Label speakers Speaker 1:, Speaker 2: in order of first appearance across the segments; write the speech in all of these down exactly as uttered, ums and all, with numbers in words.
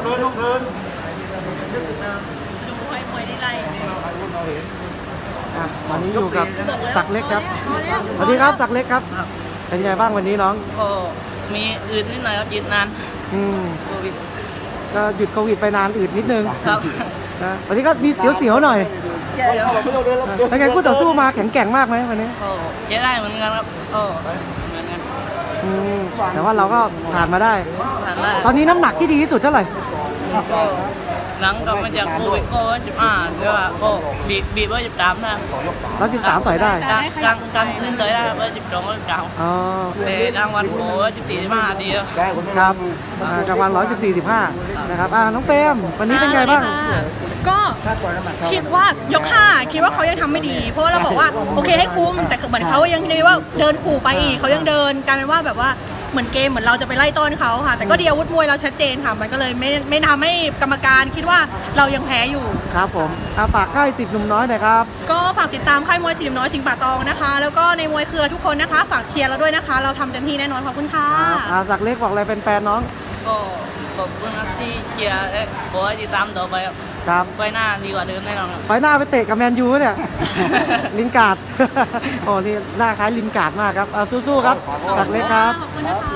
Speaker 1: ดินต้องเดิน
Speaker 2: ดูให้มวยได้ไล่
Speaker 3: อ่ะวันนี้อยู่กับศักดิ์เล็กครับสวัสดีครับศักดิ์เล็กครับเป็นไงบ้างวันนี้น้อง
Speaker 2: ก็มีอื่นนิดหน่อยครับยืนนาน
Speaker 3: อืม
Speaker 2: โควิด
Speaker 3: ก็หยุดโควิดไปนานอืดนิดนึง
Speaker 2: ครับ
Speaker 3: นะวันนี้ก็มีเสียวๆหน่อยเป็นไงคู่ต่อสู้มาแข็งแกร่งมากไหมวันนี้
Speaker 2: ก็ใช้ได้เหมือนกันครับก็เหมือนกัน
Speaker 3: อืมแต่ว่าเราก็ผ่านมาได้
Speaker 2: ผ่านได้
Speaker 3: ตอนนี้น้ำหนักที่ดีที่สุดเท่าไหร่
Speaker 2: ก็หลังกลับมาจากโควิดก็สิบห้าหรือว่าก็บีบบีบไว้สิบสามได้
Speaker 3: ร้อยสิบสามต่อยได้
Speaker 2: กลางกลางกลางคืนต่อยได้ไว้สิบสองไว้สิบสาม
Speaker 3: อ๋อ
Speaker 2: แต่กลางวันโผล่สิบสี่สิบห้าดีครับ
Speaker 3: ครับอ่ากลางวันร้อยสิบสี่สิบห้านะครับอ่าน้องเปรมวันนี้เป็นไงบ้าง
Speaker 4: ก็คิดว่ายกห้าคิดว่าเขายังทำไม่ดี เพราะว่าเราบอกว่าโอเคให้คุ้มแต่เหมือนเขายังดีว่าเดินขู่ไปอีกเขายังเดินกลายเป็นว่าแบบว่าเหมือนเกมเหมือนเราจะไปไล่ต้อนเขาค่ะแต่ก็ดีอาวุธมวยเราชัดเจนค่ะมันก็เลยไม่ไม่ทำให้กรรมการคิดว่าเรายังแพ้อยู่
Speaker 3: ครับผมอ่าฝากค่ายสิทธิ์หนุ่มน้อยหน่อยครับ
Speaker 4: ก็ฝากติดตามค่ายมวยสีน้อยสิงห์ป่าตองนะคะ แล้วก็ในมวยเครือทุกคนนะคะ ฝากเชียร์เราด้วยนะคะ เราทำเต็มที่แน่นอนขอบคุณค่ะ
Speaker 3: ครับอ่าศักดิ์เล็กบอกอะไรเป็นแฟนน้อง
Speaker 2: ก็ขอบคุณครับที่เชียร์และขอให้ติดตามต่อไปครับ
Speaker 3: ครับ
Speaker 2: ไว้หน้าดีกว่าเดิมแน่นอนครับ
Speaker 3: ไฟหน้าไปเตะกับแมนยูเนี่ย ลินการ์ด โอ้นี่หน้าคล้ายลินการ์ดมากครับเอาสู้ๆครับศักดิ์เล็กครับ
Speaker 4: ขอบคุณนะคะ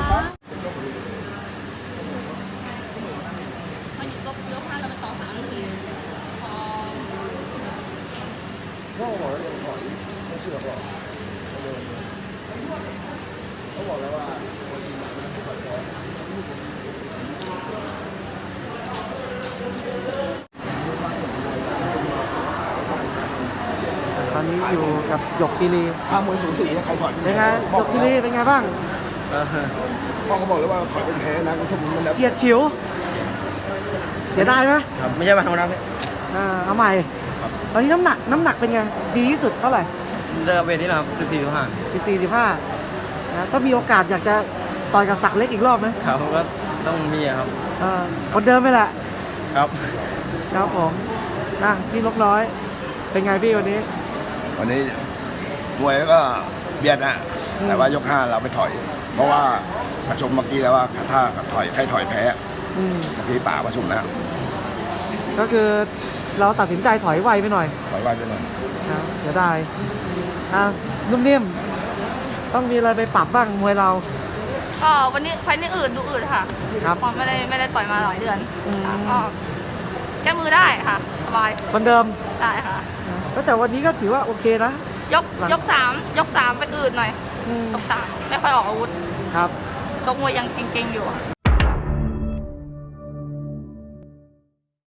Speaker 3: ตอนนี้อยู่กับหยกคีรี
Speaker 1: ถ้ามวยสูสีใครถอย
Speaker 3: เป็นไงหยกคีรีเป็นไงบ้าง
Speaker 1: พ่อก็บอกเลยว่าถอยเป็นแพ้นะคุณชมมันแล้ว
Speaker 3: เฉียดฉิวเสียดายไหม
Speaker 1: ครับไม่ใช่มาทำนะพี่
Speaker 3: อ่าเอาใหม่ ตอนนี้น้ำหนักน้ำหนักเป็นไง ดีที่สุดเท่าไหร่
Speaker 1: เริ่มเวทนี้นะครับสิบสี่สิบห้า
Speaker 3: สิบสี่สิบห้านะถ้ามีโอกาสอยากจะต่อยกับศักดิ์เล็กอีกรอบไหม
Speaker 1: ครับก็ต้องมีครับ
Speaker 3: เออคนเดิมไปแหละ
Speaker 1: ครับ
Speaker 3: ครับผมนะพี่นกน้อย เป็นไงพี่วันนี้
Speaker 5: วันนี้มวยก็เบียดนะ
Speaker 3: อืม
Speaker 5: แต่ว่ายกห้าเราไปถอย เพราะว่าประชุมเมื่อกี้แล้วว่าถ้าถอยใครถอยแพ้
Speaker 3: อืม
Speaker 5: เมื่อกี้ป่าประชุมแล้ว
Speaker 3: ก็คือเราตัดสินใจถอยไวไปหน่อย
Speaker 5: ถอยว่าจะหน่อย
Speaker 3: ครับเสียดายอ่ะนุ่มนิ่มต้องมีอะไรไปปรับบ้างมวยเรา
Speaker 6: ก็วันนี้ไฟล์นี้อืดดูอืดค่ะ
Speaker 3: ครับ
Speaker 6: เพราะไม่ได้ไม่ได้ต่อยมาหลายเดือน
Speaker 3: อืม
Speaker 6: ค่ะก็แก้มือได้ค่ะสบาย
Speaker 3: คนเดิม
Speaker 6: ได้ค่ะ
Speaker 3: ก็แต่วันนี้ก็ถือว่าโอเคนะ
Speaker 6: ยกยกสามยกสามไปอืดหน่อย
Speaker 3: อืม
Speaker 6: ยกสามไม่ค่อยออกอาวุธ
Speaker 3: ครับ
Speaker 6: ชกมวยยังเก่งๆอยู่อะ